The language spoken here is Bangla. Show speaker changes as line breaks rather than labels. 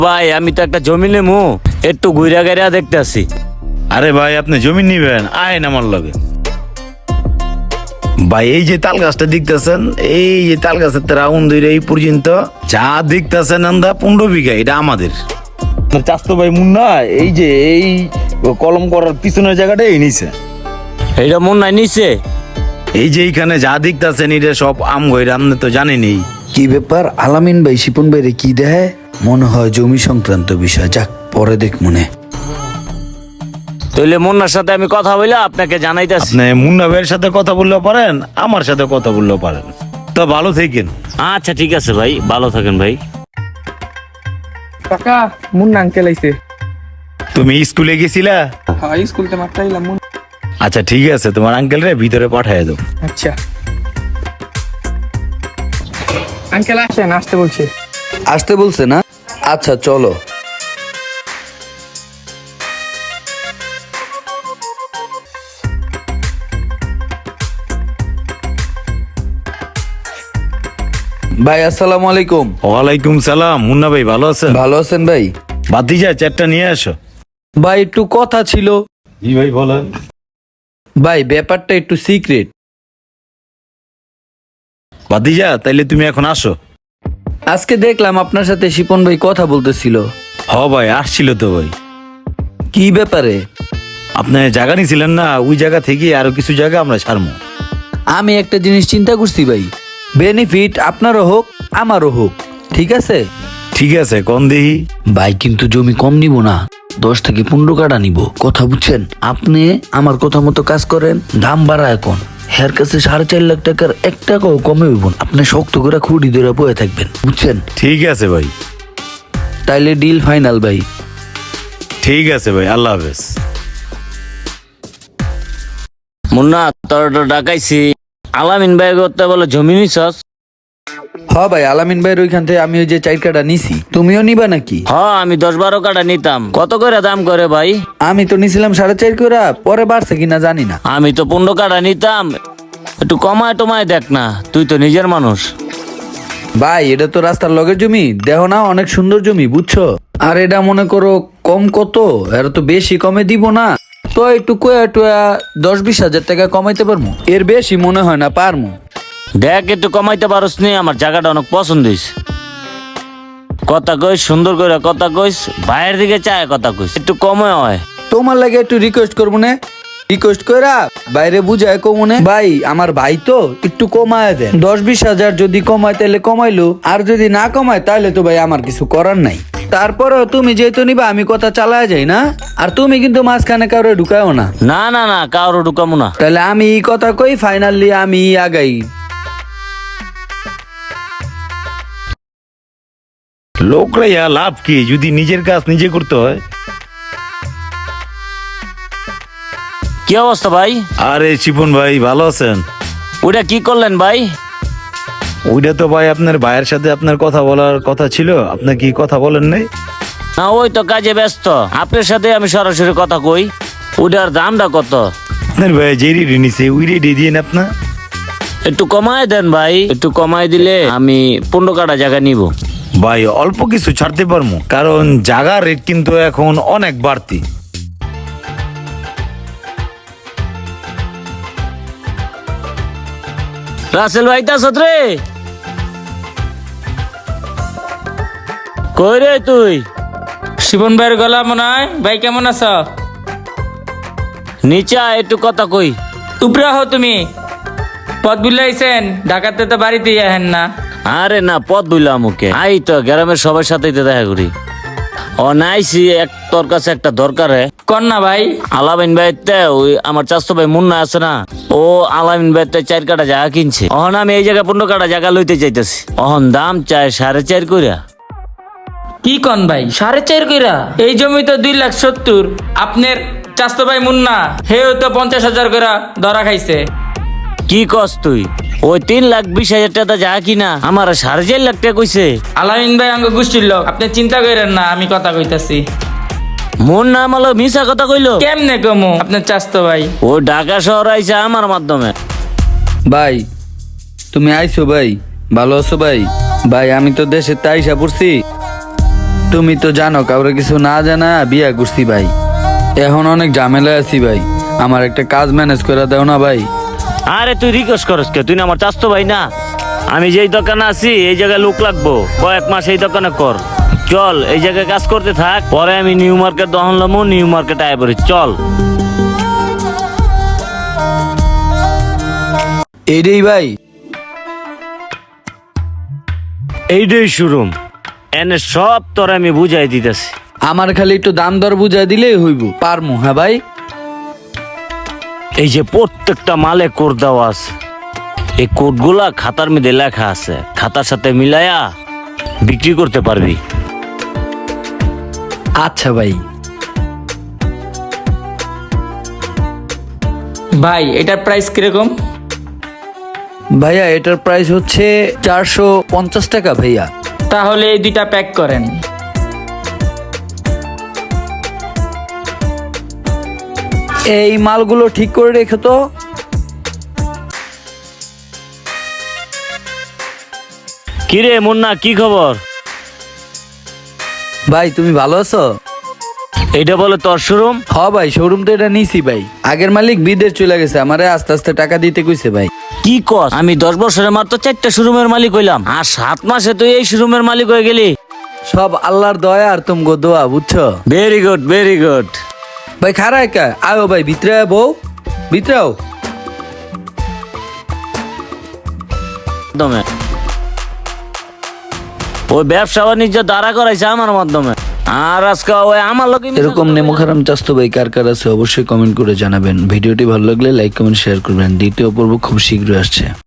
ভাই আমি তো একটা জমি নেবো, একটু ঘুরা গাইরা দেখতে আসি।
আরে ভাই আপনি জমি নিবেন, আইন আমার লগে। ভাই এই যে তাল গাছটা দেখতেছেন, এই যে তাল গাছের রাউন্ড ধরে এই পর্যন্ত যা দেখতেছেন আমরা 15 বিঘা, এটা আমাদের। চাস্তো ভাই মুন্না এই যে এই কলম করার পিছনের জায়গাটা এই নিছে।
এইটা মন নাই নিছে।
এই যে এইখানে যা দেখতেছেন এটা সব আম গইরা, আপনি তো জানেনই।
কি ব্যাপার? আলামিন ভাই শিপন ভাইরে কি দেয়? মনে হয় জমি সংক্রান্ত বিষয়, যাক পরে দেখ মনে।
তাইলে মুন্নার সাথে আমি কথা বলে আপনাকে জানাইতেছি।
আপনি মুন্না ভাইয়ের সাথে কথা বললেও পারেন, আমার সাথে কথা বললেও পারেন। তো ভালো থাকেন।
আচ্ছা ঠিক আছে ভাই, ভালো থাকেন ভাই।
কাকা মুন্না আঙ্কেল আইছে।
তুমি স্কুলে গেছিলা?
হ্যাঁ স্কুলতে মাত্র আইলাম।
আচ্ছা ঠিক আছে, তোমার আঙ্কেল রে ভিতরে পাঠায় দাও।
আচ্ছা আঙ্কেল আসেন, আসতে বলছে।
আসতে বলছে না? আচ্ছা চলো। ভাই আসসালামু আলাইকুম।
ওয়ালাইকুম সালাম। মুন্না ভাই ভালো আছেন?
ভালো আছেন ভাই?
ভাতিজা চারটা নিয়ে আসো।
ভাই একটু কথা ছিল।
জি ভাই বলেন।
ভাই ব্যাপারটা একটু সিক্রেট।
ভাতিজা তাইলে তুমি এখন আসো।
আজকে দেখলাম আপনার সাথে শিপন ভাই কথা বলতেছিল।
হ ভাই আসছিল তো ভাই।
কি ব্যাপারে?
আপনি জায়গা নিছিলেন না, ওই জায়গা থেকে আরো কিছু জায়গা আমরা ছাড়বো।
আমি একটা জিনিস চিন্তা করছি ভাই, বেনিফিট আপনারও হোক আমারও হোক, ঠিক আছে?
ঠিক আছে কোন দেহি।
ভাই কিন্তু জমি কম নিব না, 10 থেকে 15 কাঠা নিব, কথা বুঝছেন? আপনি আমার কথা মতো কাজ করেন, দাম বাড়া এখন হের কাছে 4.5 লাখ টাকার 1 টাকাও কমে হইব না। আপনি শক্ত করে খুঁড়ি ধরে বয়ে থাকবেন, বুঝছেন?
ঠিক আছে ভাই।
তাইলে ডিল ফাইনাল ভাই।
ঠিক আছে ভাই, আল্লাহ হাফেজ।
মুন্না তোর তো ডাকাইছি, আলামিন ভাই করতে বলে জমি নিছস?
হ ভাই, আলামিন ভাইয়ের ওইখান থেকে আমি ওই যে 4 কাঠা নিছি, তুমিও নিবা নাকি?
হ্যাঁ আমি 10-12 কাটা নিতাম। কত করে দাম করে ভাই?
আমি তো নিছিলাম 4.5 করে, পরে বাড়ছে কিনা জানি না।
আমি তো 15 কাটা নিতাম, একটু কমায় টমায় দেখ না, তুই তো নিজের মানুষ।
ভাই এটা তো রাস্তার লগের জমি, দেখো না অনেক সুন্দর জমি, বুঝছো? আর এটা মনে করো কম কত, এর তো বেশি কমে দিব না, তো একটু কয়া টয়া 10-20 হাজার টাকা কমাইতে পারবো, এর বেশি মনে হয় না পারবো।
দেখ একটু কমাইতে পারস নি? আমার জায়গাটা অনেক পছন্দ হইছে। কথা কইস সুন্দর করে, কথা কইস বাইরের দিকে চায়, কথা কইস একটু কমে হয়।
তোমার লাগে একটু রিকোয়েস্ট করবো না, রিকোয়েস্ট কইরা বাইরে বুঝায় কমনে ভাই, আমার ভাই তো একটু কমায় দেন, 10-20 হাজার যদি কমায় তাহলে কমাইলো, আর যদি না কমায় তাহলে তো ভাই আমার কিছু করার নাই। তারপরেও তুমি যেহেতু নিবা আমি কথা চালায় যাই না, আর তুমি কিন্তু মাঝখানে কারো ঢুকায়ও না।
না না না, কারো ঢুকামো না।
তাহলে আমি এই কথা কই, ফাইনালি আমি আগাই।
লোকরা ইয়া লাভ কি যদি নিজের কাজ নিজে করতে হয়।
কি অবস্থা ভাই?
আরে শিপন ভাই ভালো আছেন?
ওটা কি করলেন ভাই?
ওইটা তো ভাই আপনার ভাইয়ের সাথে আপনার কথা বলার কথা ছিল, আপনি কি কথা বলেন নাই?
না ওই তো কাজে ব্যস্ত, আপনার সাথে আমি সরাসরি কথা কই। ওটার দামটা কত?
আপনার ভাই যে রেডি নিছে ওই রেডি দিয়ে আপনার
একটু কমায় দেন ভাই, একটু কমায় দিলে আমি 15 কাটা জায়গা নিব।
ভাই অল্প কিছু ছাড়তে পারবো, কারণ জায়গার রেট কিন্তু এখন অনেক বাড়তি।
রাসেল ভাই তা সত্রে কই রে তুই?
শিবন ভাইয়ের গলা মনে হয়। ভাই কেমন আছো?
নিচে আয়, একটু কথা কই।
উপরে হো তুমি, পথ বুলাইছেন, ঢাকাতে তো বাড়িতেই আহেন না।
আরে না পথ বুঝলাম ওকে, আই তো গ্রামের সবার সাথেই তো দেখা করি। ও নাইছি তোর কাছে একটা দরকারে।
কর না ভাই।
আলামিন ভাইতে ওই আমার চাচতো ভাই মুন্না আছে না, ও আলামিন ভাইতে 4 কাটা জায়গা কিনছে। অহন আমি এই জায়গায় 15 কাটা জায়গা লইতে চাইতেছি। অহন দাম চায় 4.5 কইরা।
কি কন ভাই 4.5 কইরা? এই জমি তো 2,70,000। আপনার চাস্তো ভাই মুন্না হেও তো 50,000 কইরা ধরা খাইছে।
কি কস তুই? ওই 3,20,000 টাকা জায়গা কিনা আমার 4.5 লাখ টাকা কইছে।
আলামিন ভাই আঙ্গ গোষ্ঠীর লোক, আপনি চিন্তা করেন না, আমি কথা কইতাছি।
মুন্না আমালো মিছা কথা কইলো।
কেমনে কমু? আপনার চাস্তো ভাই
ও ঢাকা শহর আইছে আমার মাধ্যমে।
ভাই তুমি আইছো ভাই, ভালো আছো ভাই? ভাই আমি তো দেশে তাইসা পড়ছি, তুমি তো জানো কাউরে কিছু না জানা বিয়া করছি ভাই, এখন অনেক ঝামেলা আছি ভাই, আমার একটা কাজ ম্যানেজ করে দাও না ভাই।
আরে তুই রিকোয়েস্ট করস কে? তুই না আমার চাস্তো ভাই না? আমি যেই দোকানে আছি এই জায়গায় লোক লাগবো, কয়েক মাস এই দোকানে কর। চল এই জায়গায় কাজ করতে থাক, পরে আমি নিউ মার্কেট দহন লমু, নিউ মার্কেট আয় পড়ি। চল
এইটাই ভাই।
এইটাই শোরুম, এনে সব তোর আমি বুঝাই দিতেছি।
আমার খালি একটু দাম দর বুঝাই দিলেই হইব, পারমু। হ্যাঁ ভাই,
এই যে প্রত্যেকটা মালে কোড দেওয়া আছে, এই কোডগুলা খাতার মধ্যে লেখা আছে, খাতার সাথে মিলায়া বিক্রি করতে পারবি।
আচ্ছা ভাই।
ভাই এটার প্রাইস কিরকম?
ভাইয়া এটার প্রাইস হচ্ছে 450 টাকা ভাইয়া।
তাহলে এই দুইটা প্যাক করেন।
এই মালগুলো ঠিক করে রেখো তো।
কিরে মুন্না, কি খবর?
ভাই তুমি ভালো আছো?
এইটা বলে তোর শোরুম?
হ ভাই, শোরুম তো এটা নিছি ভাই, আগের মালিক বিদেশ চলে গেছে, আমারে আস্তে আস্তে টাকা দিতে কইছে ভাই।
কি কস? আমি 10 বছরে মাত্র 4টা শোরুমের মালিক হইলাম, আর 7 মাসে তুই এই শোরুমের মালিক হয়ে গেলি।
সব আল্লাহর দয়া আর তুমগো দোয়া, বুঝছো?
Very good, very good.
ভাই খারা একা আয়ো ভাই, ভিতরে আয় বউ, ভিতরে আও।
মাধ্যমে ওই ব্যবসা বাণিজ্য দাঁড়া করাইছে আমার মাধ্যমে, আর আজকে ওই আমার লোক
এরকম নেমো খারাম চাস্তো ভাই কার কার আছে অবশ্যই কমেন্ট করে জানাবেন। ভিডিওটি ভালো লাগলে লাইক কমেন্ট শেয়ার করবেন। দ্বিতীয় পর্ব খুব শীঘ্রই আসছে।